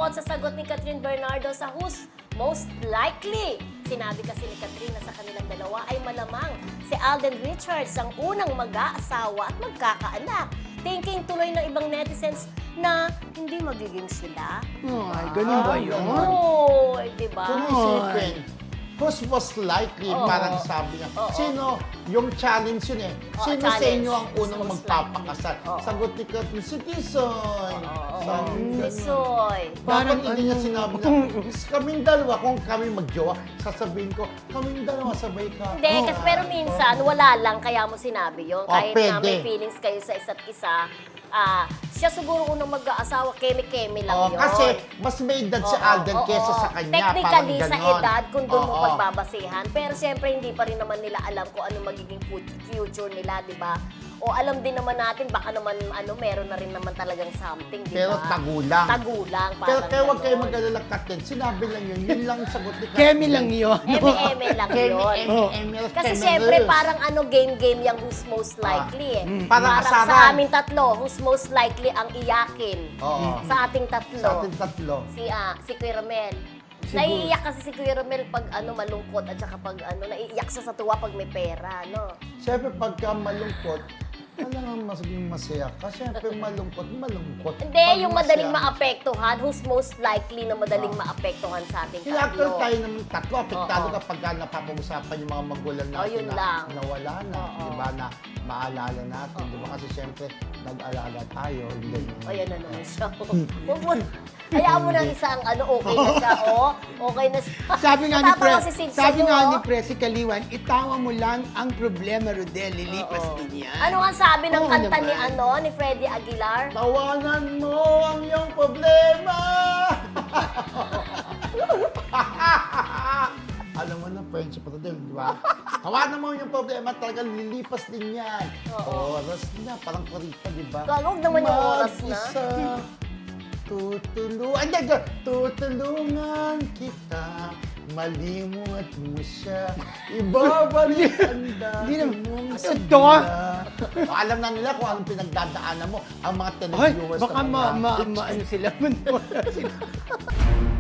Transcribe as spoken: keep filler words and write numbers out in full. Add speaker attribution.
Speaker 1: Bukod sa sagot ni Catherine Bernardo sa Who's Most Likely, sinabi kasi ni Catherine na sa kanilang dalawa ay malamang si Alden Richards ang unang mag-aasawa at magkakaanak. Thinking tuloy ng ibang netizens na hindi magiging sila.
Speaker 2: Ay, ganun ba yun?
Speaker 1: Oo, di ba?
Speaker 3: Kung isipin, who's most likely,
Speaker 1: Oo.
Speaker 3: parang sabi niya,
Speaker 1: Oo.
Speaker 3: sino, yung challenge yun eh,
Speaker 1: Oo,
Speaker 3: sino sa
Speaker 1: challenge.
Speaker 3: inyo ang unang
Speaker 1: Who's most
Speaker 3: magpapakasal?
Speaker 1: likely? Oo.
Speaker 3: Sagot ni Catherine, si Tisoy.
Speaker 1: Oo,
Speaker 3: Sabi
Speaker 1: oo.
Speaker 3: niya,
Speaker 1: Tisoy.
Speaker 3: Parang
Speaker 2: Parang
Speaker 3: hindi niya
Speaker 2: ano-
Speaker 3: sinabi na, kaming dalawa, kung kami magjowa, sasabihin ko, kaming dalawa, sabay ka.
Speaker 1: Hindi,
Speaker 3: Oo.
Speaker 1: kasi pero minsan wala lang kaya mo sinabi yun.
Speaker 3: Oh,
Speaker 1: Kahit na may
Speaker 3: pwede.
Speaker 1: feelings kayo sa isa't isa, ah, siya siguro unang mag-aasawa, keme-keme lang
Speaker 3: Oh,
Speaker 1: yun.
Speaker 3: kasi mas may edad si
Speaker 1: Oo,
Speaker 3: Alden
Speaker 1: oo,
Speaker 3: kesa
Speaker 1: oo.
Speaker 3: sa kanya.
Speaker 1: Technically,
Speaker 3: parang
Speaker 1: sa
Speaker 3: ganon.
Speaker 1: edad, kung doon mo
Speaker 3: Oo.
Speaker 1: pagbabasehan. Pero siyempre, hindi pa rin naman nila alam kung ano magiging fu- future nila, di ba? O alam din naman natin, baka naman, ano, meron na rin naman talagang something, di ba?
Speaker 3: Pero tagulang.
Speaker 1: Tagulang,
Speaker 3: Pero
Speaker 1: parang
Speaker 3: kaya huwag kayo
Speaker 1: ganon.
Speaker 3: mag-alala, Captain. Sinabi lang yun. Yun lang ang sagot ni Captain.
Speaker 2: Kemi lang yun.
Speaker 1: Eme-eme lang
Speaker 3: Kemi,
Speaker 1: yun.
Speaker 3: Emi,
Speaker 2: Oh.
Speaker 3: Emi,
Speaker 1: Kasi
Speaker 3: Emi,
Speaker 1: syempre,
Speaker 3: Emi.
Speaker 1: parang ano, game-game yung who's most likely eh.
Speaker 3: Mm. Parang
Speaker 1: sa
Speaker 3: asaran.
Speaker 1: aming tatlo, who's most likely ang iyakin.
Speaker 3: Oo.
Speaker 1: Sa ating tatlo.
Speaker 3: Sa ating tatlo.
Speaker 1: Si, ah, si Kuya Romel.
Speaker 2: Siguro.
Speaker 1: Naiiyak kasi si Kuya Romel pag ano, malungkot at saka pag ano, naiiyak siya sa tuwa pag may pera, no?
Speaker 3: Siyempre, pagka malungkot, alam nga maging masaya ka. Siyempre, malungkot, malungkot.
Speaker 1: Hindi,
Speaker 3: Pag
Speaker 1: yung
Speaker 3: masaya-
Speaker 1: madaling maapektuhan, who's most likely na madaling maapektuhan sa ating
Speaker 3: Kinakal
Speaker 1: tatlo.
Speaker 3: tayo ng tatlo. Apektado
Speaker 1: Oo.
Speaker 3: kapag ka napapag-usapan yung mga magulang
Speaker 1: Oh,
Speaker 3: natin
Speaker 1: yun
Speaker 3: na
Speaker 1: lang.
Speaker 3: nawala na.
Speaker 1: Oo.
Speaker 3: Di ba? Na maalala natin. Di ba? Kasi siyempre, nag-alaga tayo. Hindi.
Speaker 1: O, yan na naman siya. Huwag mo, hayaan mo ng isang ano, okay na siya, oh. Okay na siya.
Speaker 2: Sabi nga ni
Speaker 1: Natatawa
Speaker 2: Pre,
Speaker 1: si Sid
Speaker 2: sabi
Speaker 1: sa'yo,
Speaker 2: nga
Speaker 1: oh.
Speaker 2: ni Pre, si Kaliwan, itawa mo lang ang problema, Rodel, lilipas
Speaker 1: Oo.
Speaker 2: din yan.
Speaker 1: Ano nga sabi ng
Speaker 2: Oo
Speaker 1: kanta ni
Speaker 2: naman.
Speaker 1: ano ni Freddie Aguilar?
Speaker 3: Tawanan mo ang iyong problema! Alam mo na, friendship pa din, di ba? Tawanan mo yung problema, talagang lilipas din yan.
Speaker 1: Oo.
Speaker 3: Oras na, parang kurita, di ba?
Speaker 1: Gagawag naman yung oras na.
Speaker 3: Mag-isa, tutulungan, hindi, hindi, tutulungan kita, malimot mo siya, ibabalik ang
Speaker 2: Hindi
Speaker 3: dati
Speaker 2: naman-
Speaker 3: mong
Speaker 2: Ano
Speaker 3: sigla.
Speaker 2: to?
Speaker 3: O, alam na nila kung anong pinagdadaanan mo, ang mga
Speaker 2: Ay,
Speaker 3: televiewers
Speaker 2: baka
Speaker 3: na
Speaker 2: ma,
Speaker 3: mga-
Speaker 2: ma, ma, ano sila, man, wala sila.